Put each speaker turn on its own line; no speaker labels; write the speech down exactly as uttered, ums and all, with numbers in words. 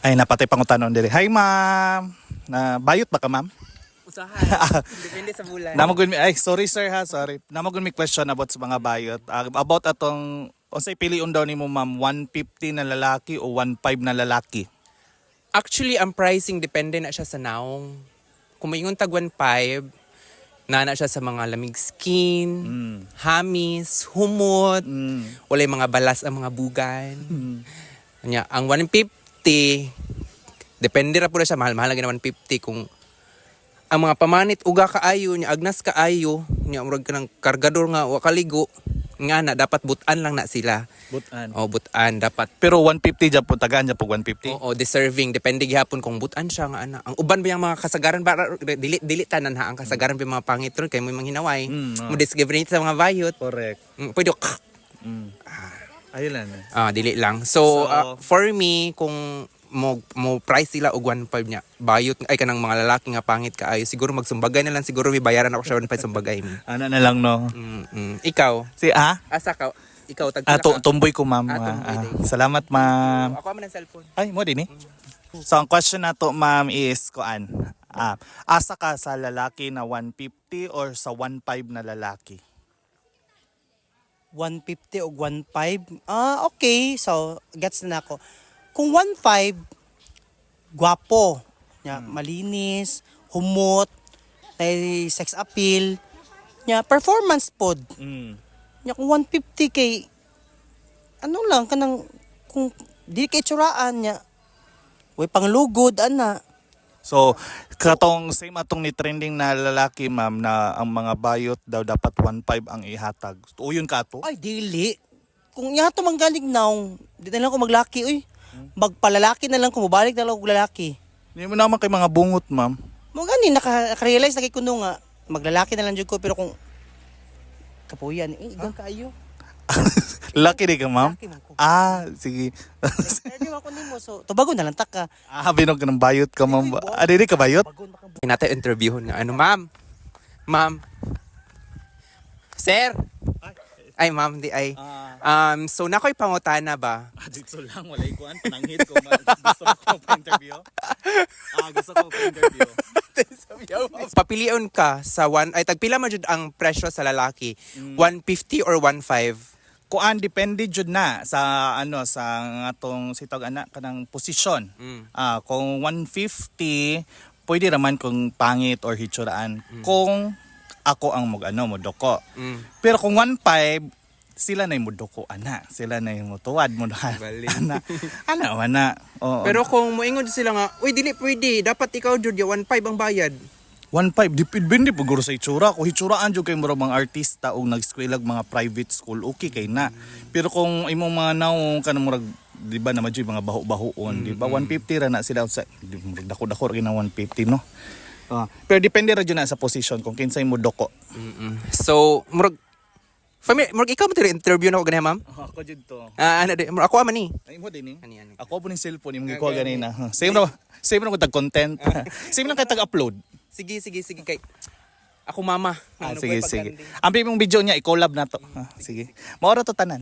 Ay, napatay pangutanon diri. Hi, ma'am. Na bayot ba ka, ma'am?
Usahay. Depende sa bulan.
Namagun mi ay sorry sir ha, sorry. Namagun mi question about sa mga bayot. Uh, about atong unsay piliun daw nimo ma'am, one fifty na lalaki o one five na lalaki?
Actually, ang pricing depende na siya sa naong. Kung maingon tag one five, nana siya sa mga lamig skin,
Mm.
hamis, humot,
Mm.
walay mga balas ang mga bugan.
Mm.
Nya, ang one fifty, depende ra pud siya, mahal-mahal lagi na one fifty kung ang mga pamanit uga kaayo nya agnas kaayo nya murag kanang kargador nga wa kaligo nga na dapat butan lang na sila.
Butan.
O butan dapat.
Pero one fifty jud po tagaan jud po one fifty.
Oo, deserving. Depende gihapon kung butan siya nga ana. Ang uban ba yung mga kasagaran ba dili dili tanan ha ang kasagaran ba yung mga pangit ron kay mo mga hinaway.
Mm, oh.
Mo discover nito sa mga bayot.
Correct.
Mm, pwede
Mm. Ayun lang. eh.
ah dili lang. So,
So,
ah, for me kung mo mo price sila og one five nya bayot ay kanang mga lalaki nga pangit kaayo siguro magsumbagay na lang siguro may bayaran ako sa one five sumbagay mi.
Ano na lang no.
Mm, mm. Ikaw,
Si ah,
asa ka? Ikaw tag
ah tu- tumboy ko ma'am.
Ah,
Ah,
tumboy
ah,
din.
salamat ma'am.
Ako man ang cellphone.
Ay, mo din eh. So ang question nato ma'am is kuan. Ah, asa ka sa lalaki na one fifty or sa one five na lalaki?
one fifty o one five. Ah, okay. So, gets na ako. Kung one five, gwapo. Nya, malinis, humot, may sex appeal. Nya, performance pod.
Mm.
Nya, kung one fifty kay, ano lang, kanang, kung di kay tsuraan niya, way panglugod, ana.
So, katong same atong ni trending na lalaki ma'am na ang mga bayot daw dapat one five ang ihatag. Uyon ka to?
Ay, dili. Kung yato manggaling naong, di na lang ko maglaki, uy. Magpalalaki na lang ko, mabalik na lang ko lalaki.
Hindi mo naman kay mga bungot ma'am.
Mo gani naka- naka-realize na kay kuno nga maglalaki na lang jud ko pero kung kapuyan eh igang kaayo.
Laki di ka ma'am?
Laki man ko.
Ah, sige.
Pwede man ko nimo so tubagon na lang ta ka.
ah, binog ka ng bayot ka ma'am. Ah, di di ka bayot?
Bagon baka
Hinatay interviewon nga ano, ma'am. Ma'am. Sir. Ay, ma'am, di ay. Um, so nakoy pangutana ba?
Ah, dito lang, wala ikuan. Pananghit ko. Gusto ko pa-interview. Ah, gusto ko pa-interview.
Papilion ka sa one ay tagpila man jud ang presyo sa lalaki. one fifty or one five?
Kuan, depende jud na sa ano sa atong sitog anak kanang posisyon.
Mm.
Ah, kung one fifty, pwede raman kung pangit or hitsuraan. Kung ako ang mag ano mo doko.
Mm.
Pero kung one five, sila na yung mudoko, ana. Sila na yung mutuwad mo na.
Bali.
Ana. Ana, ana. Oo.
Pero kung moingon sila nga, uy dili pwede, dapat ikaw jud one five ang bayad.
one five, dipindi po guro sa itsura. Kung hitsuraan dyan kayo mga mga artista o nag-eskwela mga private school, okay kay na. Pero kung imong mga naong kanang murag, di ba naman dyan mga baho-bahoon, di ba? one fifty ra na sila sa, di, murag dako-dako rin na one fifty, no? Ah, pero depende ra dyan na sa position kung kinsay mo doko.
Mm-mm. So, murag Family, murag ikaw mo tiri interview na ko ganyan, ma'am?
Ako dyan to.
Ah, ano di, murag ako man ni.
Ay mo din eh.
Ani ani.
Ako po ng cellphone, yung ko ganina. Same na, same na ko tag-content. Same lang kayo tag-upload.
Sige, sige, sige kay. Ako mama.
Ah,
Ano
sige,
ba yung
sige.
pagkanding?
Ang mong video niya, i-collab na to. Ah, sige. Maura to tanan.